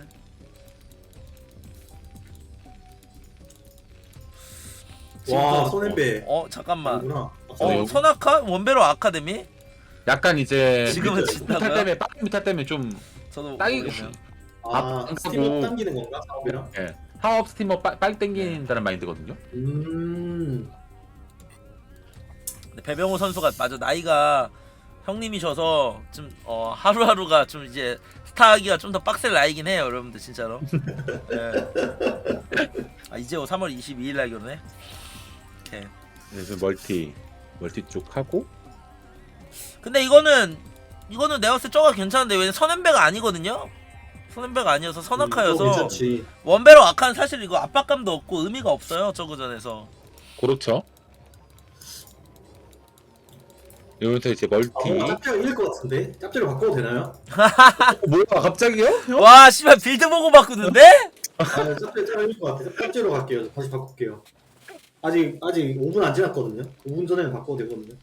Speaker 7: 와
Speaker 5: 지금도-
Speaker 7: 손앤배.
Speaker 5: 어 잠깐만.
Speaker 7: 아니구나.
Speaker 5: 어
Speaker 4: 여기-
Speaker 5: 손아카 원베로 아카데미?
Speaker 4: 약간 이제
Speaker 5: 지금은
Speaker 4: 미탈
Speaker 5: 진다고요?
Speaker 4: 때문에 빠른 미탈 때문에 좀
Speaker 5: 저도
Speaker 4: 땅이
Speaker 5: 모르겠네요.
Speaker 7: 아
Speaker 4: 앞-
Speaker 7: 스팀업
Speaker 4: 하고.
Speaker 7: 당기는 건가 사업이랑?
Speaker 4: 예. 사업 스티머 빠- 빨리 땡긴다는 마인드거든요.
Speaker 7: 음.
Speaker 5: 근데 배병우 선수가 맞아 나이가 형님이셔서 좀 어, 하루하루가 좀 이제 스타하기가 좀 더 빡셀 나이긴 해요 여러분들 진짜로. 예. 아 이제호 삼월 이십이일 날 결혼해? 오케이.
Speaker 4: 그래서 멀티 멀티 쪽 하고
Speaker 5: 근데 이거는 이거는 내가 봤을 때 저가 괜찮은데 왜냐면 선앤배가 아니거든요. 선앤배가 아니어서
Speaker 7: 음,
Speaker 5: 선아카여서
Speaker 7: 괜찮지.
Speaker 5: 원배로 아카는 사실 이거 압박감도 없고 의미가 없어요 저그전에서.
Speaker 4: 그렇죠. 여기부터 이제 멀티.
Speaker 7: 아 뭔가 짭짤 이길 것 같은데? 짭짤로 바꿔도 되나요?
Speaker 4: 어, 뭐야 갑자기요? 형?
Speaker 5: 와 씨발 빌드 보고 바꾸는데?
Speaker 7: 아 짭짤 짭짤 이길 것 같아. 짭짤로 갈게요. 다시 바꿀게요. 아직 아직 오 분 안 지났거든요. 오 분 전에는 바꿔도 되거든요.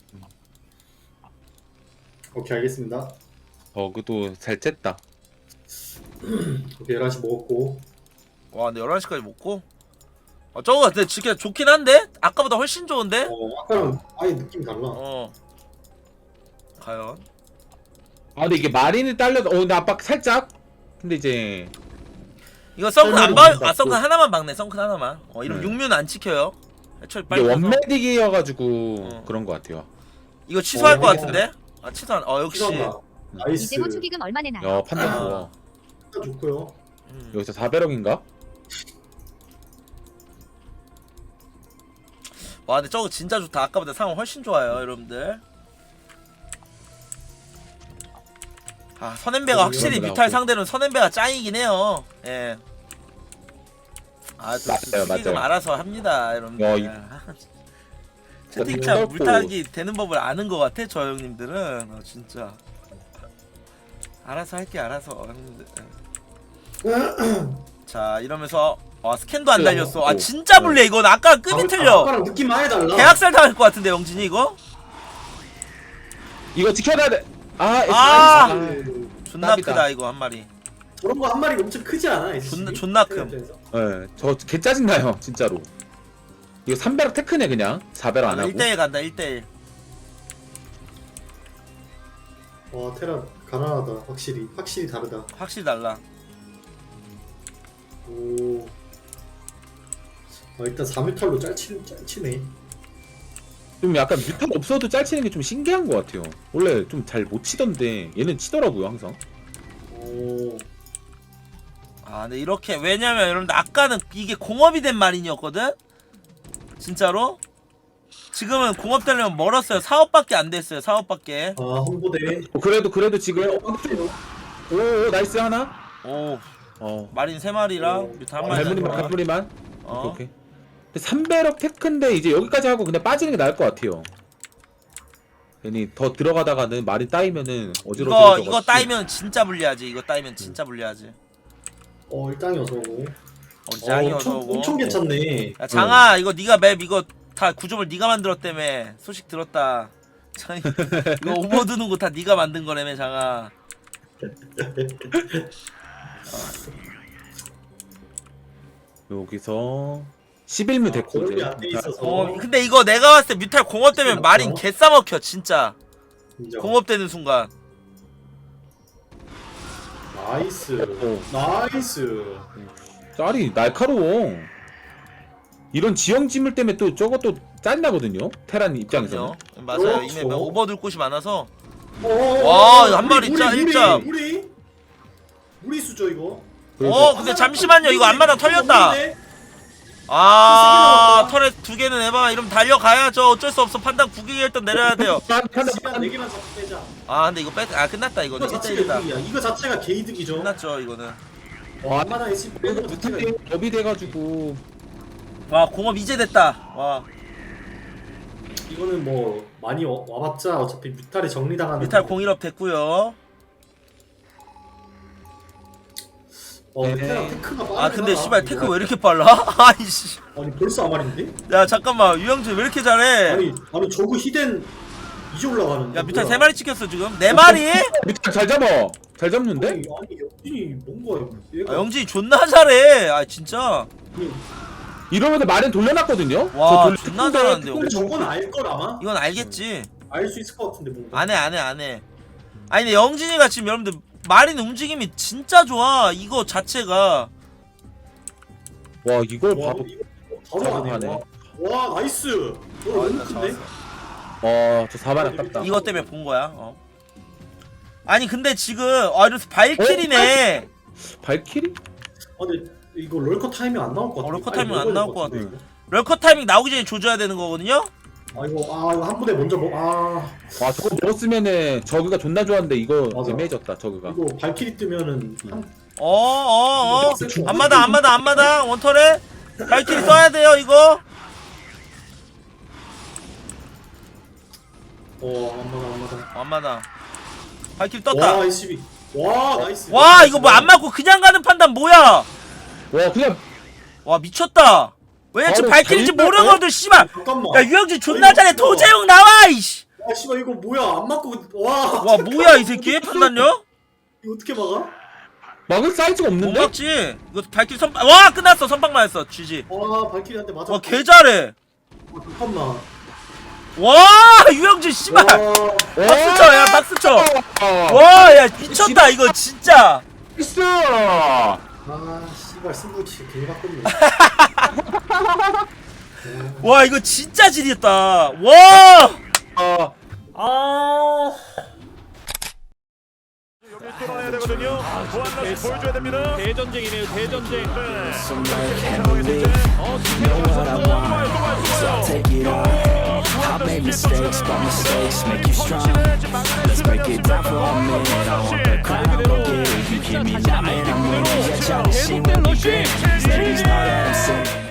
Speaker 7: 오케이 알겠습니다.
Speaker 4: 버그도 잘 쨌다.
Speaker 7: 오케이 열한 시 먹었고.
Speaker 5: 와 근데 열한 시까지 먹고? 아 저거 근데 진짜 좋긴 한데? 아까보다 훨씬 좋은데?
Speaker 7: 어 아까랑 아예 느낌이 달라.
Speaker 5: 어 과연?
Speaker 4: 아 근데 이게 마린이 딸려도 어 근데 압박 살짝. 근데 이제
Speaker 5: 이거 썬큰 안
Speaker 7: 설명이
Speaker 5: 박.. 아 썬큰 하나만 박네 썬큰 하나만. 어 이러면
Speaker 4: 네.
Speaker 5: 육면 안 찍혀요. 애초에
Speaker 4: 이게
Speaker 5: 빨리 가서.
Speaker 4: 원메딕이어가지고
Speaker 5: 어.
Speaker 4: 그런 것 같아요.
Speaker 5: 이거 취소할
Speaker 7: 어,
Speaker 5: 것
Speaker 7: 이거-
Speaker 5: 같은데? 아 취소한.. 어 역시
Speaker 7: 시간다. 나이스.
Speaker 1: 이재호 축의금 얼마 내나요?
Speaker 4: 야 판단
Speaker 5: 아.
Speaker 4: 좋아.
Speaker 7: 진짜 좋고요.
Speaker 5: 음.
Speaker 4: 여기서 사백억인가?
Speaker 5: 와 근데 저거 진짜 좋다. 아까보다 상황 훨씬 좋아요 여러분들. 아 선앤배가
Speaker 7: 어,
Speaker 5: 확실히
Speaker 4: 이런 거
Speaker 5: 뮤탈
Speaker 4: 나오고.
Speaker 5: 상대로는 선앤배가 짱이긴 해요. 예. 아또
Speaker 4: 맞아요,
Speaker 5: 축의금
Speaker 4: 맞아요.
Speaker 5: 알아서 합니다 여러분들.
Speaker 4: 야, 이-
Speaker 5: 아, 채팅창
Speaker 4: 이거
Speaker 5: 물타기 되는 법을 아는 것 같아 저 형님들은. 어, 진짜 알아서 할게 알아서 형님들. 자 이러면서 아 스캔도 안 달렸어. 아 진짜 불리해 이건. 아까 급이 틀려.
Speaker 7: 아까랑 느낌 많이 달라.
Speaker 5: 계약살 당할 것 같은데 영진이 이거?
Speaker 4: 이거 지켜놔야 돼. 아,
Speaker 5: 아!
Speaker 4: 아,
Speaker 5: 존나
Speaker 4: 땀이다.
Speaker 5: 크다 이거 한 마리.
Speaker 7: 저런 거 한 마리가 엄청 크지 않아? 에스씨?
Speaker 5: 존나- 존나 큼.
Speaker 7: 입장에서?
Speaker 4: 예, 저개 짜증 나요 진짜로. 이거 삼 배럭 테크네 그냥 사 배럭 안 하고.
Speaker 5: 일 대일 간다 일 대일.
Speaker 7: 와 테라 가난하다. 확실히 확실히 다르다.
Speaker 5: 확실히 달라.
Speaker 7: 오. 아, 일단 삼 뮤탈로 짤치, 짤치네.
Speaker 4: 좀 약간 뮤탈 없어도 짤 치는 게 좀 신기한 것 같아요. 원래 좀 잘 못 치던데 얘는 치더라고요 항상.
Speaker 7: 오.
Speaker 5: 아 근데 이렇게 왜냐면 여러분들 아까는 이게 공업이 된 마린이었거든? 진짜로? 지금은 공업 되려면 멀었어요. 사업밖에 안 됐어요. 사업밖에.
Speaker 7: 아 홍보대.
Speaker 4: 어, 그래도 그래도 지금 오, 오 나이스 하나.
Speaker 5: 오
Speaker 4: 어.
Speaker 5: 마린 세 마리랑 뮤타 한 마리.
Speaker 4: 갈무리만 갈무리만.
Speaker 5: 어.
Speaker 4: 오케이. 오케이. 근데 삼배럭 테크인데 이제 여기까지 하고 그냥 빠지는 게 나을 것 같아요. 괜히 더 들어가다가는 말이 따이면은
Speaker 5: 이거
Speaker 4: 어지러워져.
Speaker 5: 이거 따이면 진짜 불리하지. 이거 따이면 진짜 불리하지.
Speaker 7: 어 일당이 어서 오고.
Speaker 5: 우리 장이
Speaker 7: 어,
Speaker 5: 어서
Speaker 7: 엄청,
Speaker 5: 오고.
Speaker 7: 엄청 괜찮네.
Speaker 5: 야 장아 이거 네가 맵 이거 다 구조물 네가 만들었다며. 소식 들었다. 장이 이거 오버 드는 거 다 네가 만든 거라며 장아.
Speaker 4: 여기서 십일 무 됐고
Speaker 7: 공업이
Speaker 4: 이제.
Speaker 7: 안 돼 있어서.
Speaker 5: 어, 근데 이거 내가 봤을 때 뮤탈 공업 되면 마린 개 싸먹혀 진짜.
Speaker 7: 인정.
Speaker 5: 공업되는 순간.
Speaker 7: 나이스.
Speaker 4: 오.
Speaker 7: 나이스.
Speaker 4: 짤이 날카로워. 이런 지형 지물 때문에 또 저것도 짠나거든요. 테란 입장에서는.
Speaker 5: 그럼요. 맞아요.
Speaker 7: 그렇죠.
Speaker 5: 이미 오버들 곳이 많아서.
Speaker 7: 어,
Speaker 5: 와, 한 마리 짜, 일자.
Speaker 7: 무리. 무리 수죠 이거.
Speaker 5: 어, 근데 잠시만요. 이거 앞마당 털렸다.
Speaker 7: 무리네.
Speaker 5: 아, 털에 두 개는 에바 이러면 달려가야죠. 어쩔 수 없어. 판단 구기에 일단 내려야 돼요.
Speaker 7: 시간 네 개만 잡고 빼자.
Speaker 5: 아, 근데 이거 뺐, 아 끝났다 이거.
Speaker 7: 이거
Speaker 5: 진짜
Speaker 7: 자체가
Speaker 5: 이다
Speaker 7: 이득이야. 이거 자체가 개이득이죠.
Speaker 5: 끝났죠 이거는.
Speaker 7: 와, 얼마나 했지? 빼는 거 자체가
Speaker 4: 무탈이 업이 돼가지고
Speaker 5: 와, 공업 이제 됐다. 와,
Speaker 7: 이거는 뭐 많이 와- 와봤자 어차피 뮤탈에 정리당하는.
Speaker 5: 뮤탈 공일업 됐고요.
Speaker 7: 어,
Speaker 4: 네.
Speaker 7: 뮤탈 테크가 빠르긴
Speaker 5: 아, 근데
Speaker 7: 하다.
Speaker 5: 씨발 테크
Speaker 7: 이거.
Speaker 5: 왜 이렇게 빨라? 아이씨.
Speaker 7: 아니 벌써 아말인데?
Speaker 5: 야 잠깐만 유영진 왜 이렇게 잘해?
Speaker 7: 아니 아니 저거 히덴 이제 올라가는데.
Speaker 5: 야 뮤탈
Speaker 7: 뭐야?
Speaker 5: 세 마리 찍혔어 지금. 네 마리?
Speaker 4: 뮤탈 잘 잡아. 잘 잡는데?
Speaker 7: 아니 아니 영진이 뭔가 얘가
Speaker 5: 아, 영진이 존나 잘해. 아 진짜.
Speaker 7: 아니,
Speaker 4: 이러면서 말은 돌려놨거든요.
Speaker 5: 와,
Speaker 4: 돌려-
Speaker 5: 존나 잘하는데,
Speaker 7: 근데 저건 알걸 아마?
Speaker 5: 이건 알겠지.
Speaker 7: 알 수 있을 것 같은데 뭔가.
Speaker 5: 안해 안해 안해. 아니 근데 영진이가 지금 여러분들 마린 움직임이 진짜 좋아. 이거 자체가.
Speaker 4: 와 이걸
Speaker 7: 와,
Speaker 4: 바로.
Speaker 7: 이거 바로
Speaker 4: 바로
Speaker 7: 가네.
Speaker 4: 가네.
Speaker 7: 와, 와 나이스. 어,
Speaker 5: 아,
Speaker 7: 너무
Speaker 5: 일단
Speaker 7: 큰데?
Speaker 5: 잡았어.
Speaker 4: 어저 사발 아깝다.
Speaker 5: 이것 때문에 본 거야. 어. 아니 근데 지금 아 이래서 발킬이네.
Speaker 4: 발키리?
Speaker 7: 아 근데 이거 럴커 타이밍 안 나올 것 같아.
Speaker 5: 어, 럴커
Speaker 7: 빨리
Speaker 5: 타이밍 안
Speaker 7: 먹어야
Speaker 5: 나올
Speaker 7: 될것
Speaker 5: 것
Speaker 7: 같은데,
Speaker 5: 럴커 타이밍 나오기 전에 조져야 되는 거거든요.
Speaker 7: 이거. 아 이거 아 이거 한 분에 먼저 먹. 아
Speaker 4: 와 저거 먹었으면은 저그가 존나 좋았는데 이거
Speaker 7: 맞아.
Speaker 4: 애매해졌다 저그가.
Speaker 7: 이거 발키리 뜨면은 한.
Speaker 5: 어어어.
Speaker 7: 이거
Speaker 5: 앞마당 앞마당 앞마당 원털에 발킬이 써야 돼요 이거.
Speaker 7: 어 안마다 안마다.
Speaker 5: 앞마당. 발킬이 떴다.
Speaker 7: 와 이십이. 와 나이스.
Speaker 5: 와 이거 뭐 안 맞고 그냥 가는 판단 뭐야?
Speaker 4: 와 그냥
Speaker 5: 와 미쳤다. 왜 지금
Speaker 4: 바로
Speaker 5: 발킬인지
Speaker 4: 달려?
Speaker 5: 모르거든 씨발.
Speaker 7: 잠깐만.
Speaker 5: 야 유영진 존나
Speaker 7: 아니,
Speaker 5: 잘해.
Speaker 7: 이거 뭐야?
Speaker 5: 도재용 나와 이씨.
Speaker 7: 아 씨발 이거 뭐야 안 맞고 와.
Speaker 5: 와 뭐야 이 새끼 판단요?
Speaker 7: 이거 어떻게 막아?
Speaker 4: 막을 사이즈가
Speaker 5: 못
Speaker 4: 없는데?
Speaker 5: 막지. 이거 발킬이 선빵. 와 끝났어. 선빵 맞았어. 지지.
Speaker 7: 와 발키리 한테 맞아.
Speaker 5: 와 개 잘해.
Speaker 7: 아, 잠깐만.
Speaker 5: 와 유영진 씨발.
Speaker 7: 와.
Speaker 5: 박수 쳐. 야 박수 쳐.
Speaker 4: 와.
Speaker 5: 와 야 미쳤다 이거 진짜.
Speaker 4: 있어.
Speaker 7: 아 씨발 승부치 괜히 바꿨네.
Speaker 5: 와 이거 진짜 지렸다. 와.
Speaker 4: 아.
Speaker 3: 아.
Speaker 9: 뚫어내야 되거든요. 보안라스 보여줘야 됩니다. 대전쟁이네요. 대전쟁. 네. 상황에서 이제 어,
Speaker 10: Take it on. I made mistakes, but mistakes make you strong. Let's break it down for a minute. I want the crown, go get it. You hear me now, man, I'm winning. Yeah, y'all, this shit will be great. These ladies know that I'm sick.